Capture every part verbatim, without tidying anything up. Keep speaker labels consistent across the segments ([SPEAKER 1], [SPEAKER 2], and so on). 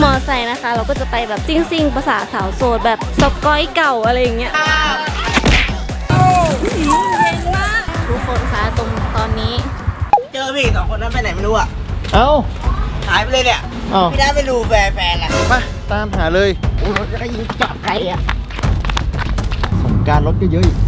[SPEAKER 1] มอไซค์นะคะเราก็จะไปแบบซิ่งซิ่งภาษาสาวโสดแบบสกอยเก่าอะไรอย่างเงี้ยเย็นมากทุกคนคะตรงตอนนี้
[SPEAKER 2] เจอพี่สองคนนั้นไปไหนไม่รู้อ่ะ
[SPEAKER 3] เอ้า
[SPEAKER 2] หายไปเลยเนี่ยพี่ได้ไม่รู้แฟนแฟนอ่ะ
[SPEAKER 3] มาตามหาเลย
[SPEAKER 2] โอ้ยจะยิงจับใครอ่ะ
[SPEAKER 3] สงการรถก็เยอะอีก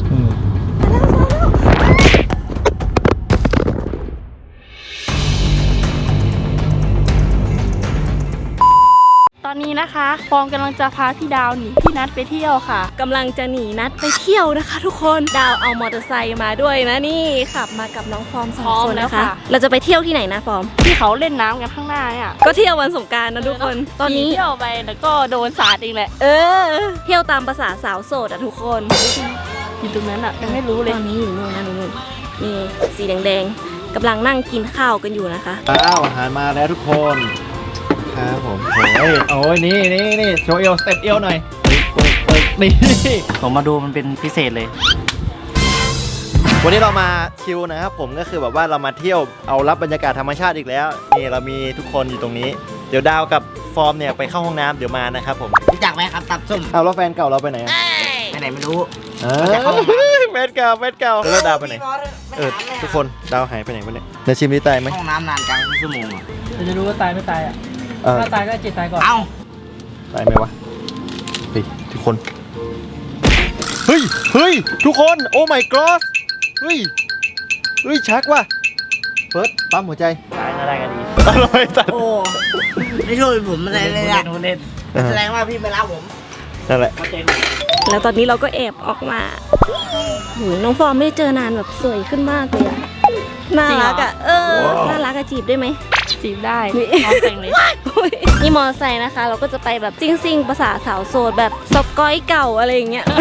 [SPEAKER 1] ตอนนี้นะคะฟองกำลังจะพาพี่ดาวหนีพี่นัทไปเที่ยวค่ะกำลังจะหนีนัทไปเที่ยวนะคะทุกคนดาวเอามอเตอร์ไซค์มาด้วยนะนี่ขับมากับน้องฟอร์มสองคนนะคะเราจะไปเที่ยวที่ไหนนะฟอร์ม
[SPEAKER 4] ที่เขาเล่นน้ำกันข้างหน้าเนี่ย
[SPEAKER 1] ก็เที่ยววันสงกรานต์นะทุกคนตอนนี้
[SPEAKER 4] เที่ยวไปแล้วก็โดนสาดอีกแหละ
[SPEAKER 1] เออเที่ยวตามภาษาสาวโสดอะทุกคน
[SPEAKER 4] อยู่ตรงนั้นอะยังไม่รู้เลย
[SPEAKER 1] ตอนนี้อยู่นู่นนะนู่นนี่สีแดงๆกำลังนั่งกินข้าวกันอยู่นะคะ
[SPEAKER 3] อ้าวอาหารมาแล้วทุกคนครับผมโอ้ยโอ้ยนี่นี่นี่โชว์เอวสเต็ปเอวหน่อยนี่
[SPEAKER 5] ผมมาดูมันเป็นพิเศษเลย
[SPEAKER 3] วันนี้เรามาชิลนะครับผมก็คือแบบว่าเรามาเที่ยวเอารับบรรยากาศธรรมชาติอีกแล้วนี่เรามีทุกคนอยู่ตรงนี้เดี๋ยวดาวกับฟอร์มเนี่ยไปเข้าห้องน้ำเดี๋ยวมานะครับผม
[SPEAKER 2] รู้จักไหมครับตับส้ม
[SPEAKER 3] เอาแล้วแฟนเก่าเราไปไหน
[SPEAKER 2] ไปไหนไม่รู้
[SPEAKER 3] เออแฟนเก่าแฟนเก่าแล้วดาวไปไหนเออทุกคนดาวหายไปไหนไปเนี่ยจะชิมดีตายไหม
[SPEAKER 2] ห้องน้ำนานจังชั่วโมงอ่ะ
[SPEAKER 4] จะรู้ว่าตายไม่ตายอ่ะถ้าตายก็จิตตายก่อน
[SPEAKER 2] เอ้า
[SPEAKER 3] ตายไหมวะเฮ้ยทุกคนเฮ้ยเฮ้ยทุกคนโอ้ my god เฮ้ยเฮ้ยชักว่ะเฟิร์สปั๊มหัวใจ
[SPEAKER 5] ตายอะไรกันดี
[SPEAKER 3] อร่อยจัด
[SPEAKER 2] โอ้ไม่ช่วยผมอะไรเลยอ่ะ
[SPEAKER 5] เล่น
[SPEAKER 2] แสดงว่าพี่ไม่รักผม
[SPEAKER 3] นั่นแหละ
[SPEAKER 1] แล้วตอนนี้เราก็แอบออกมาหูน้องฟอร์มไม่เจอนานแบบสวยขึ้นมากเลยอะน่ารักอะเออน่ารักอะจีบได้ไหม
[SPEAKER 4] จีบได้พร้อมแต่งเลย
[SPEAKER 1] นี่มอไซค์นะคะเราก็จะไปแบบซิ่งซิ่งภาษาสาวโสดแบบสกอยเก่าอะไรอย่างเงี้ย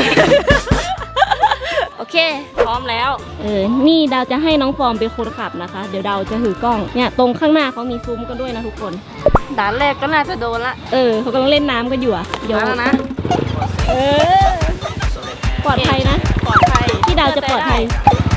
[SPEAKER 1] โอเค
[SPEAKER 4] พร้อมแล้ว
[SPEAKER 1] เออนี่ดาวจะให้น้องฟอร์มเป็นคนขับนะคะเดี๋ยวดาวจะถือกล้องเนี่ยตรงข้างหน้าเขามีซุ้มกันด้วยนะทุกคน
[SPEAKER 4] ด่านแรกก็น่าจะโดนละ
[SPEAKER 1] เออเขากำลังเล่นน้ำกันอยู่อะเดี๋ยว
[SPEAKER 4] นะ
[SPEAKER 1] เออปลอดภัยนะ
[SPEAKER 4] ปลอดภัย
[SPEAKER 1] ที่ดาวจะปลอดภัย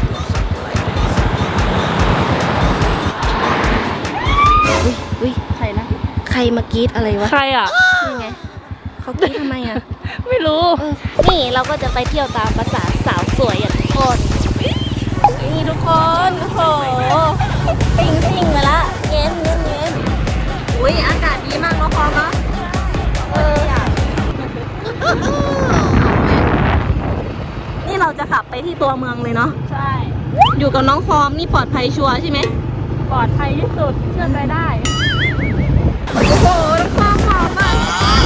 [SPEAKER 1] อุ้ย
[SPEAKER 4] ใครนะ
[SPEAKER 1] ใครมากรี๊ดอะไรวะ
[SPEAKER 4] ใครอ่ะ
[SPEAKER 1] นี่ไงเขากรี๊ดทำไมอ่ะ
[SPEAKER 4] ไม่รู้
[SPEAKER 1] นี่เราก็จะไปเที่ยวตามภาษาสาวสวยอ่ะทุกคนนี่ทุกคนโอ้โหซิ่งซิ่งมาละเย็นเย็นเย็นอุ้ยอากาศดีมากเนาะพอเนาะเออนี่เราจะขับไปที่ตัวเมืองเลยเนาะ
[SPEAKER 4] ใช่
[SPEAKER 1] อยู่กับน้องฟอร์มนี่ปลอดภัยชัวร์ใช่ไหม
[SPEAKER 4] ปลอดภัยที่สุดเชื่อใจได้
[SPEAKER 1] โอ้โหน้องฟอร์มหอมมาก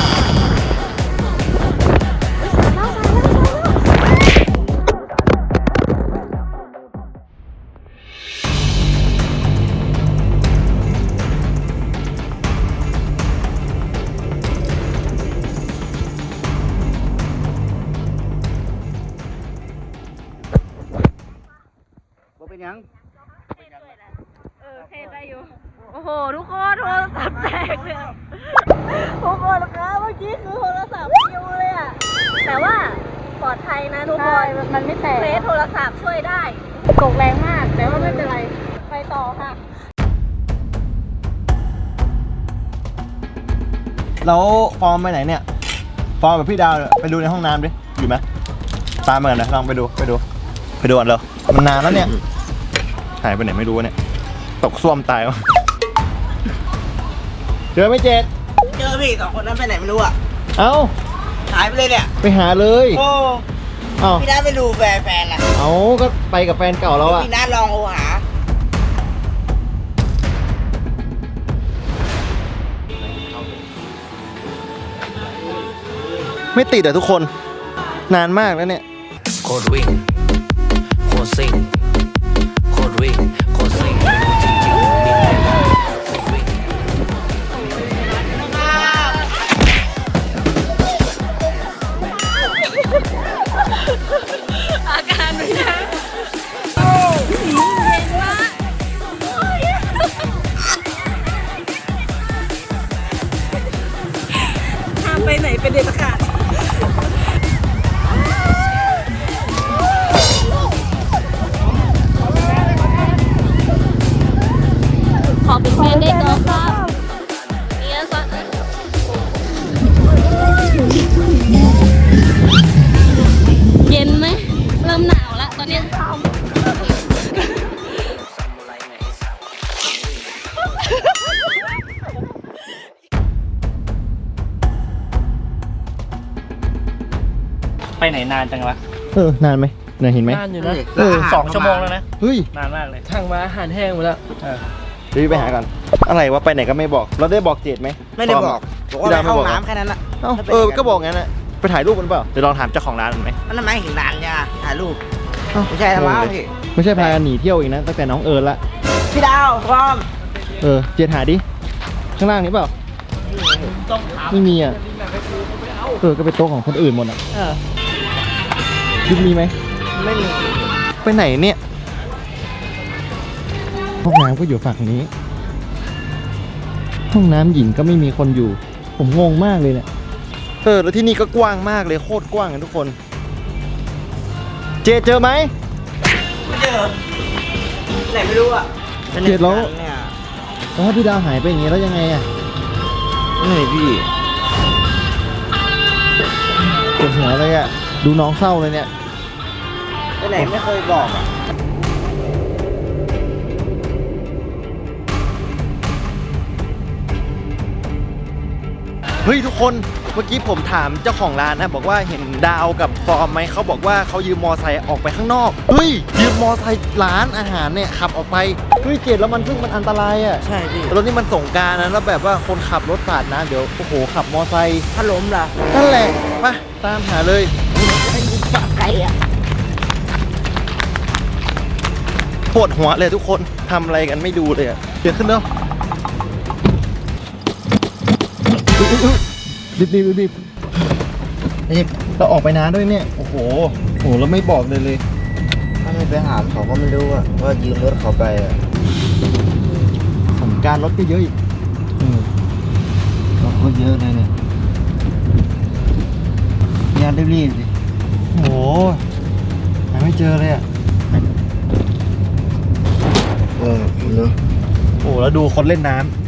[SPEAKER 2] เป็นยัง
[SPEAKER 1] เออเทได้อยู่โอ้โหทุกคนโทรศัพท์แตกเลยทุกคนคะเมื่อกี้คือโทรศัพท์ปิวเลยอะแต่ว่าปลอดภัยนะทุกคน
[SPEAKER 4] มันไม่แตก
[SPEAKER 1] เฟซโทรศัพท์ช่วยได้
[SPEAKER 4] ตกแรงมากแต่ว่าไม่เป็นไรไปต่อค่ะ
[SPEAKER 3] แล้วฟอร์มไปไหนเนี่ยฟอร์มกับพี่ดาวไปดูในห้องน้ำดิอยู่ไหมตามมากันนะลองไปดูไปดูไปดูกันเลยมันนานแล้วเนี่ยหายไปไหนไม่รู้เนี่ยตกส้วมตายวะเจอไม่เจ็ด
[SPEAKER 2] เจอพี่สองคนนั้นไปไหนไม่รู้อ่ะ
[SPEAKER 3] เอ้า
[SPEAKER 2] หายไปเลยเนี่ย
[SPEAKER 3] ไปหาเลย
[SPEAKER 2] โอ้
[SPEAKER 3] เอ้า
[SPEAKER 2] พี่นัทไม่รู้แฟนแฟนอ่ะ
[SPEAKER 3] เอ้าก็ไปกับแฟนเก่าแล้วอ่ะ
[SPEAKER 2] พี่นัทลองโทรหา
[SPEAKER 3] ไม่ติดอ่ะทุกคนนานมากแล้วเนี่ย
[SPEAKER 5] โคตรวิ่งโคตรซิ่งโคตรวิ่งโคตรซิ่งไม่รู้จริงๆว่ามีอะไรบ้างโคตรวิ่ง
[SPEAKER 1] อาการเป็นไงโอ้เย็นมากห้ามไปไหนเป็นเด็ดขาดขอเป็นแฟนได้ก่อนครับเนี่ยสัก
[SPEAKER 6] ไปไหนนานจังวะ
[SPEAKER 3] เออนานไหมเนี่ยเห็นไหม
[SPEAKER 6] นานอยู่นะ
[SPEAKER 3] เออ
[SPEAKER 6] สองชั่วโมงแล้วนะ
[SPEAKER 3] เฮ้ย
[SPEAKER 6] นานมากเลยช่างมาอาหารแห้งหมดแล้วเออ
[SPEAKER 3] เดี๋ยวไปหากันอะไรวะไปไหนก็ไม่บอก เราได้บอกเจดไหม
[SPEAKER 2] ไม่ได้บอกบอกว่าไปเข้าห้องน้ำแค่นั้นแหละ
[SPEAKER 3] เอ้าเออก็บอกงั้นแหละไปถ่ายรูปกันเปล่าเดี๋ยวลองถามเจ้าของร้านมันไหม
[SPEAKER 2] มันทำไมถึงนานเนี่ยถ่ายรูป
[SPEAKER 3] เอ้า
[SPEAKER 2] ไม่ใช่ทำไมพี่
[SPEAKER 3] ไม่ใช่พากันหนีเที่ยวอีกนะตั้งแต่น้องเอิญละ
[SPEAKER 2] พี่ดาวพร้อม
[SPEAKER 3] เออเจดหาดิข้างล่างนี้เปล่าไม่มีอ่ะเออก็เป็นโต๊ะของคนอื่นหมดอ่ะ
[SPEAKER 6] เออ
[SPEAKER 3] ยุบมีไหม
[SPEAKER 2] ไม่มี
[SPEAKER 3] ไปไหนเนี่ยห้องน้ำก็อยู่ฝั่งนี้ ห้องน้ำหญิงก็ไม่มีคนอยู่ ผมงงมากเลยเนี่ยเออแล้วที่นี่ก็กว้างมากเลยโคตรกว้างเลยทุกคน เจเจอไหม
[SPEAKER 2] ไม่เจอไหนไม่รู้อ่ะ
[SPEAKER 3] เจ็ดแล้ว
[SPEAKER 2] เนี่ย
[SPEAKER 3] แล้วถ้าพี่ดาวหายไปอย่างงี้แล้วยังไงอ่ะ
[SPEAKER 2] นี่พี่
[SPEAKER 3] ปวดหัวเลยอ่ะดูน้องเศร้าเลยเนี่ย
[SPEAKER 2] ไปไหนไม่เคยบอกอ่ะ
[SPEAKER 3] เฮ้ยทุกคนเมื่อกี้ผมถามเจ้าของร้านนะบอกว่าเห็นดาวกับฟอร์มไหมเขาบอกว่าเขายืมมอไซค์ออกไปข้างนอกเฮ้ยยืมมอไซค์ร้านอาหารเนี่ยขับออกไปเฮ้ยเจ็ดแล้วมันซึ่งมันอันตรายอ่ะ
[SPEAKER 2] ใช่พี่
[SPEAKER 3] รถนี่มันส่งกรารนะแล้วแบบว่าคนขับรถสาดนะเดี๋ยวโอ้โหขับมอไซค์
[SPEAKER 2] ถ้าล้มล่ะ
[SPEAKER 3] นั่นแหละไปตามหาเลยปวดหัวเลยทุกคนทำอะไรกันไม่ดูเลยอะเดี๋ยวขึ้นเร็วรีบรีบรีบรีบรีบเราออกไปนานด้วยเนี่ยโอ้โหโอ้โหแล้วไม่บอกเลยเลย
[SPEAKER 2] ถ้าไม่ไปหาเขาก็ไม่รู้อ่ะว่ายืมรถเขาไปอ่ะ
[SPEAKER 3] ของการรถก็เยอะอีกอืม
[SPEAKER 2] รถก็เยอะเลยเนี่ยงานรีบๆสิ
[SPEAKER 3] โอ้โหหาไม่เจอเลยอะ
[SPEAKER 2] เออเนอะ
[SPEAKER 3] โอ้โหแล้วดูคนเล่นน้ำ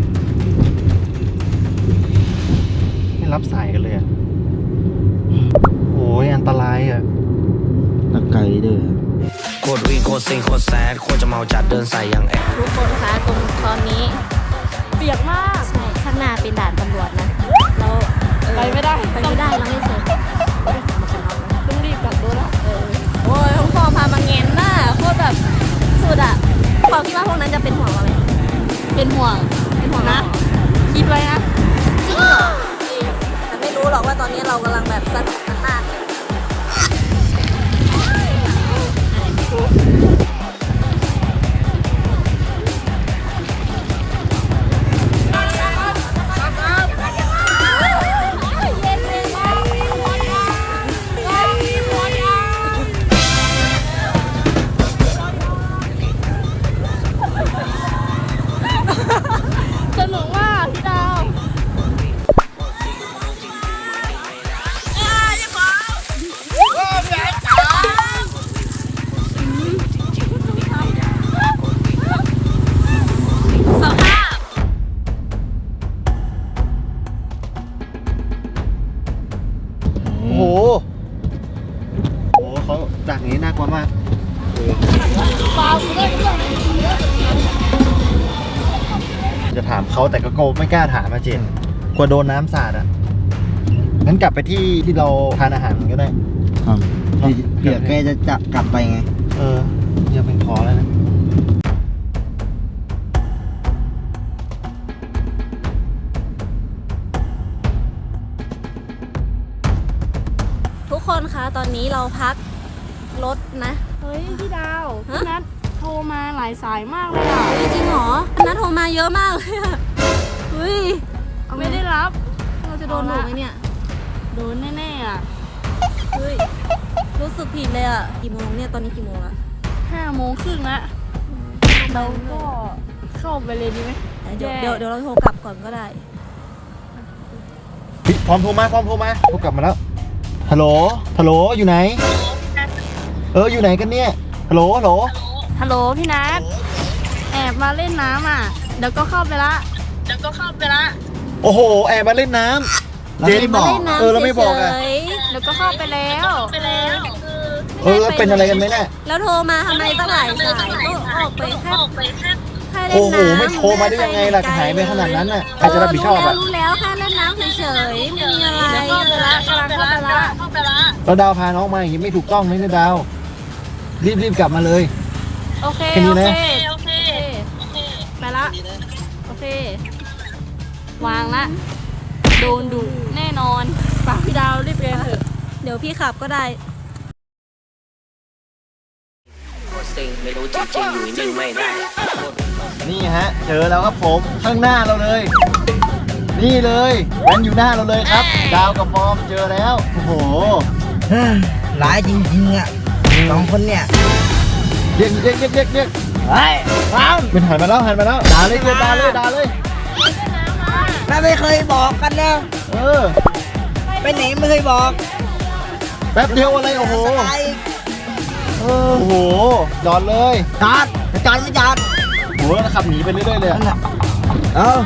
[SPEAKER 3] ไม่รับสายกันเลยอะโอ้ยอันตรายอะ
[SPEAKER 2] ตะไกลเด้อ
[SPEAKER 5] โคตรวิ่งโคตรซิงโคตรแซดโคตรจะเมาจัดเดินใส่อย่างแอด
[SPEAKER 1] ทุกคนคะตรงตอนนี้ เปียกมาก
[SPEAKER 7] ใช่ข้างหน้าเป็นด่านตำรวจนะแล้วเออ
[SPEAKER 1] ไปไม่ได้
[SPEAKER 7] ไปไม่ได้เราไม่เสร็จ
[SPEAKER 1] ต้องรีบกลับรถแล้ว
[SPEAKER 7] เออโอ้ยท้องฟอพามาเง้นน่ะโคตรแบบสุดอ่ะความคิดว่าพวกนั้นจะเป็นห่วงเราไหม
[SPEAKER 1] เป็นห่วง
[SPEAKER 7] เป็นห่วง
[SPEAKER 1] นะ
[SPEAKER 7] นะ
[SPEAKER 1] คิดไว้นะ
[SPEAKER 7] จริงเหรอจริงแต่ไม่รู้หรอกว่าตอนนี้เรากำลังแบบสนุกกันมากเลย
[SPEAKER 1] สนุกมากพี่ดาว
[SPEAKER 7] สภาพ
[SPEAKER 3] โอ้โหโอ้โหเขาดักอย่างนี้น่ากลัวมากจะถามเขาแต่ก็โกไม่กล้าถามมาเจนกลัวโดนน้ำสาดอ่ะงั้นกลับไปที่ที่เราทานอาหารกันก็ได้เนาะ
[SPEAKER 2] เดี๋ยวแกจะจะกลับไปไง
[SPEAKER 3] เออจะเป็นขอแล้วนะ
[SPEAKER 7] ทุกคนคะตอนนี้เราพักรถนะ
[SPEAKER 1] เฮ้ยพี่ดาว
[SPEAKER 7] ฮะ
[SPEAKER 1] พี่นัทโทรมาหลายสายมากเลยอ่ะ
[SPEAKER 7] เฮ้ยจริงเหรอนัดโทรมาเยอะมากเลยอะเฮ้ย
[SPEAKER 1] ไม่ได้รับ
[SPEAKER 7] เราจะโดนถูกไหมเนี่ย
[SPEAKER 1] โดนแน่ๆอ่ะ
[SPEAKER 7] เฮ้ย รู้สึกผิดเลยอ่ะ กี่โมงเนี่ย ตอนนี้กี่โมงละ
[SPEAKER 1] ห้าโมงครึ่งละเราก็เข้าไปเลยดีไหม
[SPEAKER 7] เดี๋ยว
[SPEAKER 1] แย่
[SPEAKER 7] เดี๋ยวเดี๋ยวเราโทรกลับก่อนก็ได้
[SPEAKER 3] พี่พร้อมโทรมาพร้อมโทรมาโทรกลับมาแล้วฮัลโหลฮัลโหลอยู่ไหนเอออยู่ไหนกันเนี่ยฮัลโหลฮัลโหล
[SPEAKER 1] ฮัลโหลพี่นัทแอบมาเล่นน้ำอ่ะ เดี๋ยวก็เข้าไปละเดี๋ยวก็เข้าไปละ
[SPEAKER 3] โอ้โหแอบมาเล่นน้ำ
[SPEAKER 2] เราไม่บอก
[SPEAKER 7] มาเล่นน้ำ
[SPEAKER 3] เออเราไม่บอกอะ
[SPEAKER 7] เฉย
[SPEAKER 1] เดี๋ยวก็เข้าไปแล้วไปแล้ว
[SPEAKER 3] เออเป็นอะไรกันไหมเนี่ย
[SPEAKER 7] ๆแล้วโทรมาทำไมตั้งหลายสายก็ออกไปแค่แค่เล่นน้ำ
[SPEAKER 3] โอ้โหไม่โทรมาได้ยังไงล่ะหายไปขนาดนั้นน่ะใครจะรับผิดชอบ
[SPEAKER 7] รู้แล้
[SPEAKER 3] อ่ะ
[SPEAKER 7] วรู้แล้วแค่เล่นน้ำเฉยๆไม่มีอะไร
[SPEAKER 1] เดี๋ยวเข้าไปละกำลังเข้าไปละเข้าไปละ
[SPEAKER 3] แล้วดาวพาน้องมาอย่างนี้ไม่ถูกต้องนะเนี่ยดาว รีบรีบกลับมาเลย
[SPEAKER 1] โอเค
[SPEAKER 3] แค่นี้
[SPEAKER 1] โอ
[SPEAKER 3] นะ
[SPEAKER 1] เคโอเคไปละโอเค วางละโดนดุแน่นอนฝากพี่ดาวรีบเรียนเถอะ
[SPEAKER 7] เดี๋ยวพี่ขับก็ได้
[SPEAKER 5] โคตรซิงไม่รู้จริงๆอยู่นิ่งไม่ได้
[SPEAKER 3] นี่ฮะ เจอแล้วครับผมข้างหน้าเราเลย นี่เลยมันอยู่หน้าเราเลยครับ ดาวกับฟอร์มเจอแล้วโอ้โห
[SPEAKER 2] ร้ายจริงๆอ่ะสองคนเนี่ย
[SPEAKER 3] เรียกเรียกเรียกเรียกเรียก
[SPEAKER 2] เฮ้ยฟัง
[SPEAKER 3] เป็นหันมาแล้วหันมาแล้วด่าเลยเรียกด่าเลยด่าเลย
[SPEAKER 2] แม่ไม่เคยบอกกันนะ
[SPEAKER 3] เออ
[SPEAKER 2] ไปไหนไม่เคยบอก
[SPEAKER 3] แป๊บเดียวอะไรโอ้โห
[SPEAKER 2] อะไร
[SPEAKER 3] เออโอ้โหจอดเลย
[SPEAKER 2] จอดจอดไม่จอด
[SPEAKER 3] โอ้โหแล้วขับหนีไปเรื่อยๆเลยอะ
[SPEAKER 2] เอ้า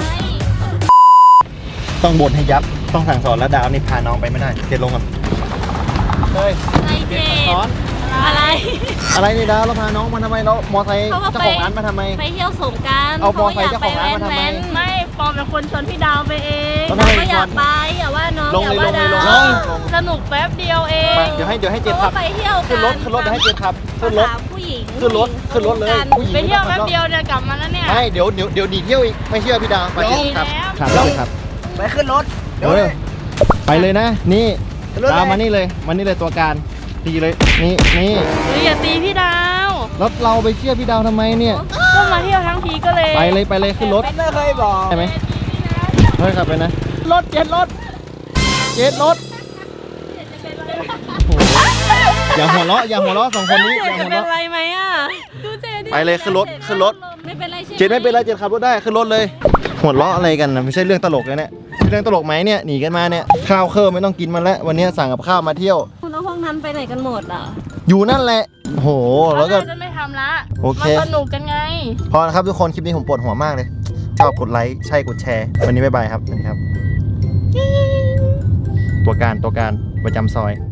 [SPEAKER 3] ต้องบ่นให้ยับต้องสั่งสอนแล้วดาวนี่พาน้องไปไม่ได้เจ็ดลงก่อนเฮ้ย
[SPEAKER 1] อะไรเจ
[SPEAKER 3] สอน
[SPEAKER 1] อะไร
[SPEAKER 3] อะไรนี่ดาวเราพาน้องมาทำไมเรามอไซค์
[SPEAKER 1] เขาก็
[SPEAKER 3] เจ้า
[SPEAKER 1] ไป
[SPEAKER 3] ของร้านมาทำไม
[SPEAKER 7] ไปเที่ยวสงกราร
[SPEAKER 3] เอามอไซค์เจ้าของร้านมาทำไม
[SPEAKER 1] ไม่ปอมเป็นคนชวนพี่ดาวไปเอง
[SPEAKER 3] แล้ว
[SPEAKER 7] เรา
[SPEAKER 3] ทำไม
[SPEAKER 7] ก็อยากไปอย่าว่าน้อง
[SPEAKER 3] ลง
[SPEAKER 7] อย่า
[SPEAKER 3] เลย
[SPEAKER 7] ว่า
[SPEAKER 3] ลงเลย
[SPEAKER 7] ดาว
[SPEAKER 3] ลง
[SPEAKER 1] สนุกแป๊บเดียวเอง
[SPEAKER 3] ไปเดี๋ยวให้เดี๋ยวให้เจ็ด
[SPEAKER 7] เขา
[SPEAKER 3] ขับ
[SPEAKER 7] ไปเที่ยวกัน
[SPEAKER 3] ขึ้นรถขึ้นรถเดี๋ยวให้เจ็ดขับขึ้นรถ
[SPEAKER 7] ภาษาผู้หญิง
[SPEAKER 3] ขึ้นรถขึ้นรถเลย ผู้หญิง
[SPEAKER 1] ไปเที่ยว
[SPEAKER 3] ม่
[SPEAKER 1] แป๊บ
[SPEAKER 3] ต้อง
[SPEAKER 1] เดียวเนี่ยกลับมาแล้วเนี่ย
[SPEAKER 3] ไม่เดี๋ยวเดี๋ยวเดี๋ยวหนีเที่ยวอีกไม่เชื่อพี่ดาวไปเจ็ดขับ
[SPEAKER 1] ดีแล้ว
[SPEAKER 3] ขับเลยครับ
[SPEAKER 2] ไปขึ้นรถ
[SPEAKER 3] เออไปเลยนะ นี่
[SPEAKER 2] รถอะไร
[SPEAKER 3] ดาวมานี่เลยมานี่เลยตัวการตีเลยนี่นี่
[SPEAKER 1] เฮ้ยอย่าตีพี่ดาว
[SPEAKER 3] แล้วเราไปเชื่อพี่ดาวทำไมเนี่ย
[SPEAKER 1] ก็มาเที่ยวทั้งทีก็เลย
[SPEAKER 3] ไปเลยไปเลยขึ้นรถ
[SPEAKER 2] ไม่เคยบอก
[SPEAKER 3] ใช่ไหมเฮ้ยขับไปนะรถเจ็ดรถเจ็ดรถโอ้โหอย่าหัวเราะอย่าหัวเราะสองคนนี้อย่า
[SPEAKER 1] จะ
[SPEAKER 3] หัว
[SPEAKER 1] เป็น
[SPEAKER 3] เราะ
[SPEAKER 1] ไรไหมอ่ะดูเจดิ
[SPEAKER 3] ไปเลยขึ้นรถขึ้นรถ
[SPEAKER 7] ไม่เป็นไรใช่ไหม
[SPEAKER 3] เจ็ดไม่เป็นไรเจ็ดขับรถได้ขึ้นรถเลยหัวเราะอะไรกันนะไม่ใช่เรื่องตลกเลยเนี่ยเรื่องตลกไหมเนี่ยหนีกันมาเนี่ยข้าวเครื่องไม่ต้องกินมันแล้ววันนี้สั่งกับข้าวมาเที่ยว
[SPEAKER 7] คุณเอาห้องนั้นไปไหนกันหมดอ่ะ
[SPEAKER 3] อยู่นั่นแหละโอ้โหแล้วก็
[SPEAKER 1] จะไม่ทำละ
[SPEAKER 3] โอเค
[SPEAKER 1] มาสนุกกันไง
[SPEAKER 3] พอแล้วครับทุกคนคลิปนี้ผมปวดหัวมากเลย ชอบกดไลค์ใช่กดแชร์ วันนี้บ๊ายบายครับสวัสดีครับ ตัวการตัวการประจำซอย